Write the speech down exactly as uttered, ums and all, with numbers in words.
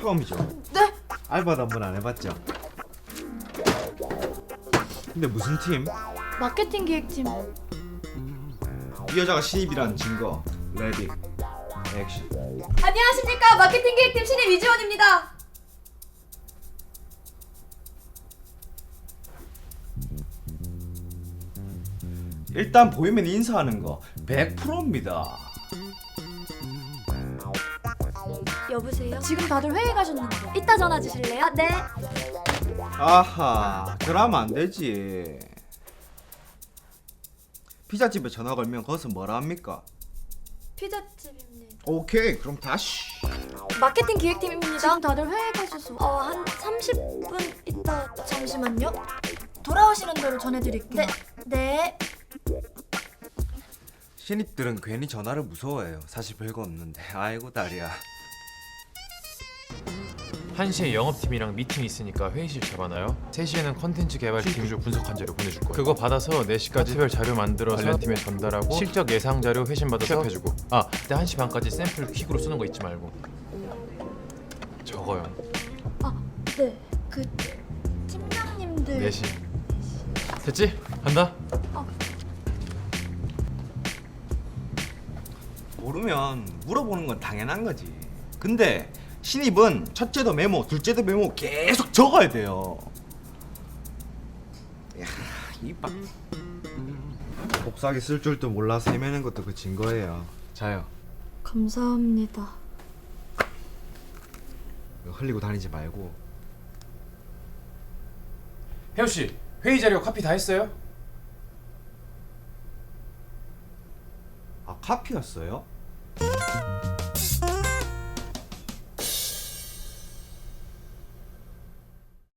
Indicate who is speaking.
Speaker 1: 처음이죠?
Speaker 2: 네?
Speaker 1: 알바도 한 번 안 해봤죠? 근데 무슨 팀?
Speaker 2: 마케팅 기획팀.
Speaker 1: 이 여자가 신입이라는 증거. 레디 액션.
Speaker 2: 안녕하십니까, 마케팅 기획팀 신입 이지원입니다.
Speaker 1: 일단 보이면 인사하는 거 백 퍼센트입니다.
Speaker 2: 여보세요? 지금 다들 회의 가셨는데 이따 전화 주실래요? 네.
Speaker 1: 아하, 그러면 안 되지. 피자집에 전화 걸면 거기서 뭐라 합니까?
Speaker 2: 피자집입니다.
Speaker 1: 오케이, 그럼 다시.
Speaker 2: 마케팅 기획팀입니다. 지금 다들 회의 가셔서 어, 한 삼십 분 있다. 잠시만요. 돌아오시는 대로 전해드릴게요. 네. 네.
Speaker 1: 신입들은 괜히 전화를 무서워해요. 사실 별거 없는데. 아이고 다리야.
Speaker 3: 한 시에 영업팀이랑 미팅이 있으니까 회의실 잡아놔요. 세 시에는 컨텐츠 개발팀 구조 분석한 자료 보내줄 거예요. 그거 받아서 네 시까지 특별 자료 만들어서 관련 팀에 전달하고 실적 예상 자료 회신 받아서 취합해주고 아, 그때 한 시 반까지 샘플 퀵으로 쓰는 거 잊지 말고 적어요.
Speaker 2: 아, 네. 그 팀장님들.
Speaker 3: 네 시 됐지? 간다?
Speaker 1: 모르면 물어보는 건 당연한 거지. 근데 신입은 첫째도 메모, 둘째도 메모 계속 적어야 돼요. 야, 이빡. 복사기 쓸 줄도 몰라서 헤매는 것도 그 증거예요. 자요.
Speaker 2: 감사합니다.
Speaker 1: 흘리고 다니지 말고.
Speaker 3: 혜우 씨, 회의 자료 카피 다 했어요?
Speaker 1: 아, 카피였어요?